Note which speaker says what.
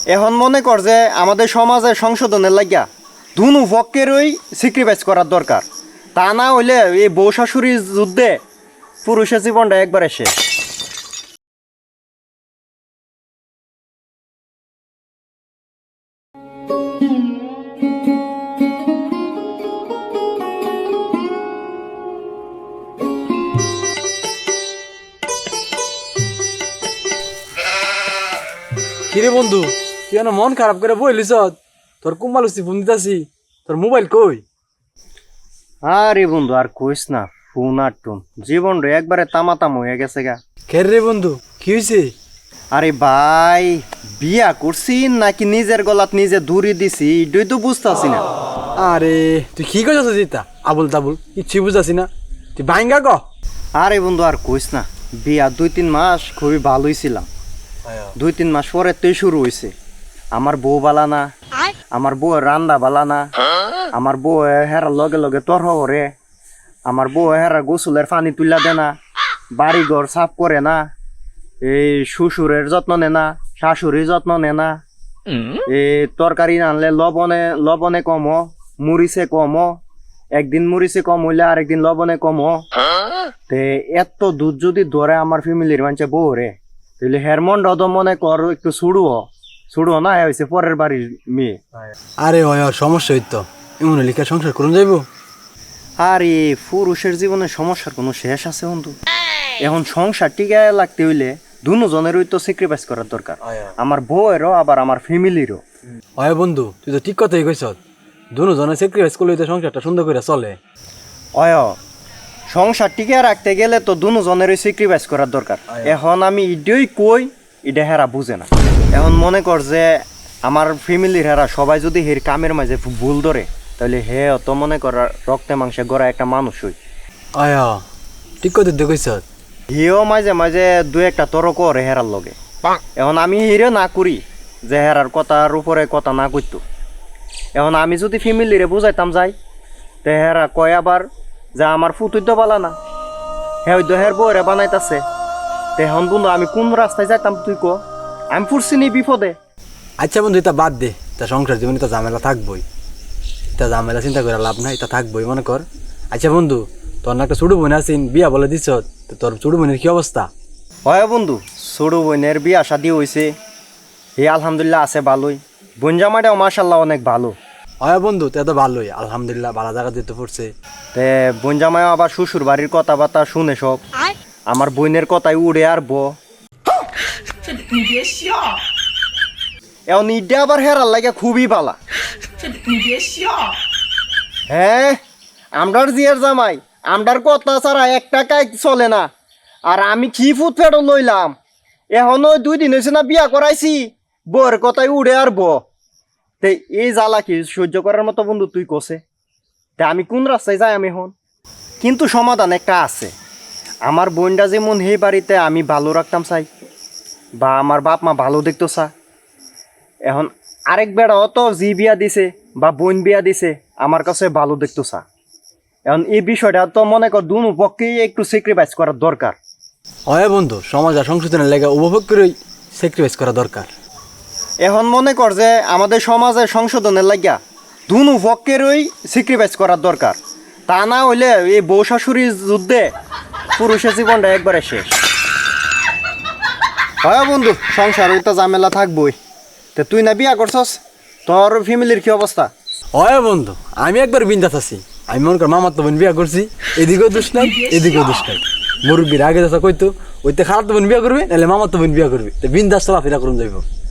Speaker 1: এখন মনে কর যে আমাদের সমাজের সংশোধনের লাগিয়া দুনু পক্ষেরই স্যাক্রিফাইস করার দরকার। তা না হইলে এই বউ শাশুড়ির যুদ্ধে পুরুষের জীবনটা একবারে শেষ।
Speaker 2: কিরে বন্ধু, তুই না মন খারাপ করে বইলিস? তোর কুম্বালুসি ফোন দিতাছি, তোর মোবাইল কই?
Speaker 1: আরে বন্ধু আর কইস না, ফোন আর টুন জীবন রে একবারে তামাতাম হয়ে গেছে গা।
Speaker 2: খের রে বন্ধু, কি হয়েছে?
Speaker 1: আরে ভাই, বিয়া করছি নাকি নিজের গলাত নিজে দূরি দিছি এটাই তো বুঝতেছি না।
Speaker 2: আরে তুই কি করছিস জিতা? আবুল তাবুল কিচ্ছু বুঝাছি না, তুই বাইঙ্গা ক।
Speaker 1: আরে বন্ধু আর কইস না, বিয়া 2-3 মাস খুবই ভালোই ছিলাম। 2-3 মাস পরে তুই শুরু হয়েছে আমার বউ বালা না, আমার বউ রান্দা বালা না, আমার বউ হেরার লগে লগে তর হরে, আমার বউ হেরার গোসলের পানি তুলা দে না, বাড়ি ঘর সাফ করে না, এই শ্বশুরের যত্ন নে না, শাশুড়ির যত্ন নে না, এই তরকারি আনলে লবণে কম, মরিচে কম, একদিন মরিচে কম হইলে আরেকদিন লবণে কম। তে এত দুধ যদি ধরে আমার ফ্যামিলির মানুষে বউ রে, তাহলে হেরমন্ড তো মনে কর একটু ছুড়ো না হয়েছে পরের বাড়ির মেয়ে।
Speaker 2: আরে ওই ওর সমস্যা হইতো, এমন লিখা সংসার করুন যাইব।
Speaker 1: আর এই পুরুষের জীবনে সমস্যার কোনো শেষ আছে বন্ধু? এখন সংসার টিকে লাগতে হইলে দুজনেরই তো স্যাক্রিফাইস করার দরকার, আমার বউয়েরও আবার আমার ফ্যামিলিরও।
Speaker 2: ওই বন্ধু, তুই তো ঠিক কথাই কইছ, দুজনে স্যাক্রিফাইস করলে তো সংসারটা সুন্দর করে চলে।
Speaker 1: অয় সংসার টিকে রাখতে গেলে তো দুজনেরই স্যাক্রিফাইস করার দরকার। এখন আমি ইডই কই, এটা হেরা বুঝে না। এখন মনে কর যে আমার ফ্যামিলির হেরা সবাই যদি হের কামের মাঝে ভুল ধরে, তাহলে হে অত মনে কর রক্তে মাংসে গড়া একটা মানুষ হই।
Speaker 2: আয়া ঠিক কথা তুই কইছ।
Speaker 1: হিও মাঝে মাঝে 2-1টা তর্ক করে হেরার লগে। এখন আমি হিরে না করি যে হেরার কথার উপরে কথা না করতো। এখন আমি যদি ফ্যামিলিরে বুঝাইতাম যাই, তে হেরা কয় আবার যে আমার ফুতুই তো বালা না, হ্যাঁ ওই হের বউরে বানাইতাছে। তে এখন বন্ধু আমি কোন রাস্তায় যাইতাম তুই কো? আমি পড়ছি নি বিপদে।
Speaker 2: আচ্ছা বন্ধু, এটা বাদ দে, তা সংসার জীবনে তো ঝামেলা থাকবই, তা ঝামেলা চিন্তা করে লাভ নাই, এটা থাকবই মনে কর। আচ্ছা বন্ধু, তোর না একটা ছোট বোন আছিস, বিয়া বলে দিছ, তোর ছোট বোনের কি অবস্থা?
Speaker 1: হয় বন্ধু, ছোট বোনের বিয়া শাদি হয়েছে, হে আলহামদুলিল্লাহ আছে ভালোই। বোন জামাইটাও মাশাল্লাহ অনেক ভালো।
Speaker 2: হয় বন্ধু, তে তো ভালোই আলহামদুলিল্লাহ, ভালো জায়গা দিতে পড়ছে।
Speaker 1: তে বোন জামাইও আবার শ্বশুর বাড়ির কথাবার্তা শুনে সব, আমার বোনের কথাই উড়ে আর এখন ইডে আবার হেরার লাগে খুবই বালা। হ্যাঁ, আমরার জিয়ার জামাই, আমরার কথা ছাড়া এক টাকায় চলে না। আর আমি কি ফুট ফেটো লইলাম, এখনো 2 দিন হয়েছে না বিয়া করাইছি, বউয়ের কথাই উড়ে আর তে এই জ্বালা কি সহ্য করার মতো বন্ধু তুই কোসে? তে আমি কোন রাস্তায় যাই আমি এখন? কিন্তু সমাধান একটা আছে। আমার বোনটা যেমন এই বাড়িতে আমি ভালো রাখতাম চাই, বা আমার বাপ মা ভালো দেখতো চা, এখন আরেক বেড়া অত জি বিয়া দিছে বা বোন বিয়া দিছে আমার কাছে ভালো দেখতো চা। এখন এই বিষয়টা তো মনে কর দুনো পক্ষেই একটু স্যাক্রিফাইস করার দরকার।
Speaker 2: হয় বন্ধু, সমাজ আর সংশোধনের লেগে উপভোগ করেই স্যাক্রিফাইস করা দরকার।
Speaker 1: এখন মনে কর যে আমাদের সমাজের সংশোধনের লাগিয়া দুনো পক্ষেরই স্যাক্রিফাইস করার দরকার। তা না হইলে এই বউ শাশুড়ির যুদ্ধে পুরুষের জীবনটা একবারে শেষ। হয় বন্ধু, সংসার তো ঝামেলা থাকবই। তে তুই না বিয়া করছস, তোর ফ্যামিলির কি অবস্থা?
Speaker 2: হয় বন্ধু, আমি একবার বিন্দাস আছি। আমি মনে কর মামার তো বোন বিয়া করছি, এদিকেও দোষ নাই এদিকেও দোষ নাই। মুরব্বীর আগে যাচ্ছে কইতো ওইতে খারাপ তো বোন বিয়া করবে, নাহলে মামার তো বোন বিয়া করবে, তো বিন্দাস চলাফেরা করুন যাইব।